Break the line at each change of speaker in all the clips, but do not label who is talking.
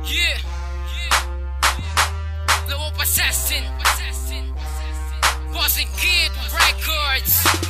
Yeah. Blow up assassin. Bossing Kid Records.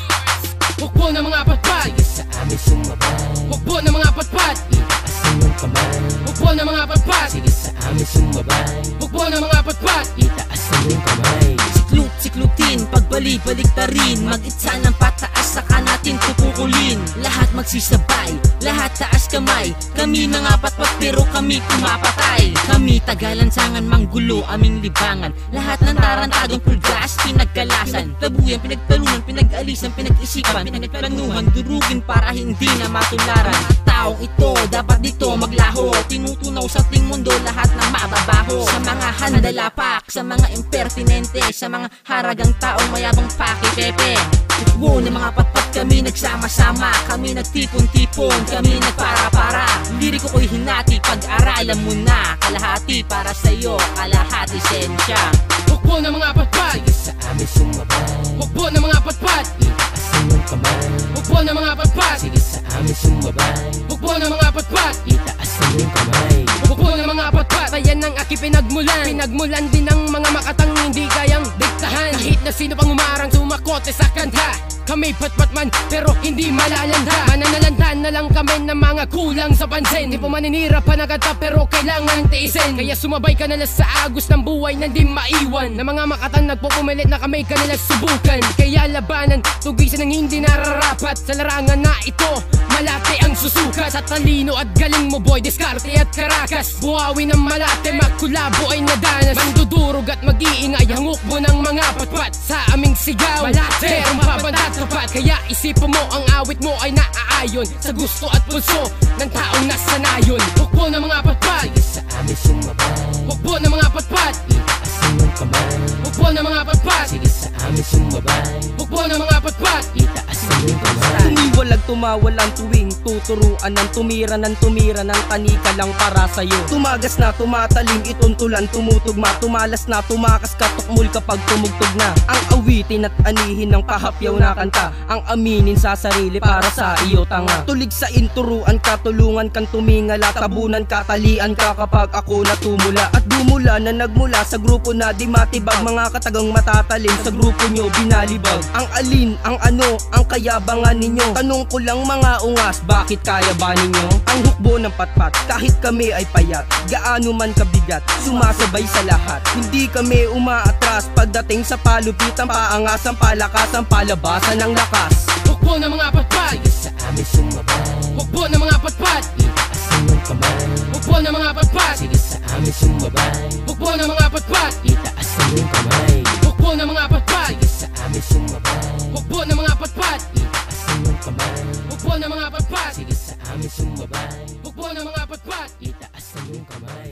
Hukbo na mga patpat,
sige sa amin sumabay.
hukbo na mga patpat,
Itaas ang iyong kamay.
hukbo na mga patpat,
Sige sa amin sumabay.
hukbo na mga patpat.
Itaas ang iyong kamay.
Siklutin, pagbalik-balik na rin. Mag-itsa ng pataas, saka natin tutukulin. Lahat magsisabay, lahat taas kamay. Kami mga patpat pero kami pumapatay. Kami tagalansangan, manggulo, aming libangan. Lahat ng tarantadong pulgas, pinagkalasan. Tabuyan, pinagtalunan, pinag-alisan, pinag-isipan, pinagplanuhan, durugin para hindi na matularan. Mga taong ito, dapat dito maglaho. Tinutunaw sa ting mundo lahat ng mababaho. Sa mga handalapak, sa mga impertinente, sa mga haragang taong mayabang pakipepe. Hukbo ng mga patpat, kami nagsama-sama. Kami nagtipon-tipon, kami nagpara-para. Liriko ko'y hinati, pag-aralan mo na. Kalahati para sa'yo, kalahati sensya.
Hukbo na mga patpat,
Sige sa amin sumabay.
hukbo na mga patpat,
Itaas ang iyong kamay.
hukbo na mga patpat,
Sige sa amin sumabay.
hukbo na mga patpat,
Itaas ang iyong kamay.
hukbo na mga patpat. Bayan ng aki pinagmulan, pinagmulan din ng mga makatang hindi kayang diktahan. Kahit na sino pang umarang sumakote sa kanta, kami patpat man pero hindi malalanda. Mananalanda na lang kami ng mga kulang sa pansin. Di po maninira pa na kanta pero kailangan tiisin. Kaya sumabay ka na lang sa agos ng buhay na di maiwan. Na mga makatang nagpupumilit na kami kanila subukan. Kaya labanan, tugisan ng hindi nararapat. Sa larangan na ito, malate ang susukat. Sa talino at galing mo boy, diskarte at karakas. Buhawi ng malate, magkulabo ay nadanas. Mandudurog at mag-iingay ang hukbo ng mga patpat. Sa aming sigaw, malate, merong babantat tapat. Kaya isipan mo ang awit mo ay naaayon sa gusto at pulso ng taong nasanayon. Hukbo ng mga patpat,
Sige sa amin sumabay.
hukbo ng mga patpat,
Itaas ang iyong kamay.
hukbo ng mga patpat,
Sige sa amin sumabay.
hukbo ng mga patpat.
Itaas ang iyong kamay.
Tumiwalag tumawalan tuwing tuturuan ng tumira ng tanika lang para sa'yo. Tumagas na tumatalim, ituntulan, tumutugma, tumalas na, tumakas ka, tukmul kapag tumugtog na. Ang awitin at anihin ng pahapyaw na kanta, ang aminin sa sarili para sa iyo tanga. Tulig sa inturuan ka, tulungan kang tumingala, tabunan ka, talian ka kapag ako natumula. At dumula na nagmula sa grupo na di matibag, mga katagang matatalim sa grupo nyo binalibag. Ang alin, ang ano, ang kayabangan ninyo. Tanong ko lang mga ungas, bakit kaya ba ninyo? Ang hukbo ng patpat, kahit kami ay payat, gaano man kabigat, sumasabay sa lahat. Hindi kami umaatras pagdating sa palupitan, paangasan, palakasan, palabasan ng lakas.
Hukbo ng mga patpat,
Sige sa amin sumabay.
hukbo ng mga patpat,
Itaas ang iyong kamay.
hukbo ng mga patpat,
Sige sa amin sumabay.
hukbo ng mga patpat,
Itaas ang iyong kamay.
hukbo ng mga patpat,
Sige sa amin sumabay.
hukbo ng mga patpat,
Itaas ang iyong kamay.
hukbo ng mga patpat,
Sige sa amin sumabay.
hukbo ng mga patpat.
Itaas ang iyong kamay.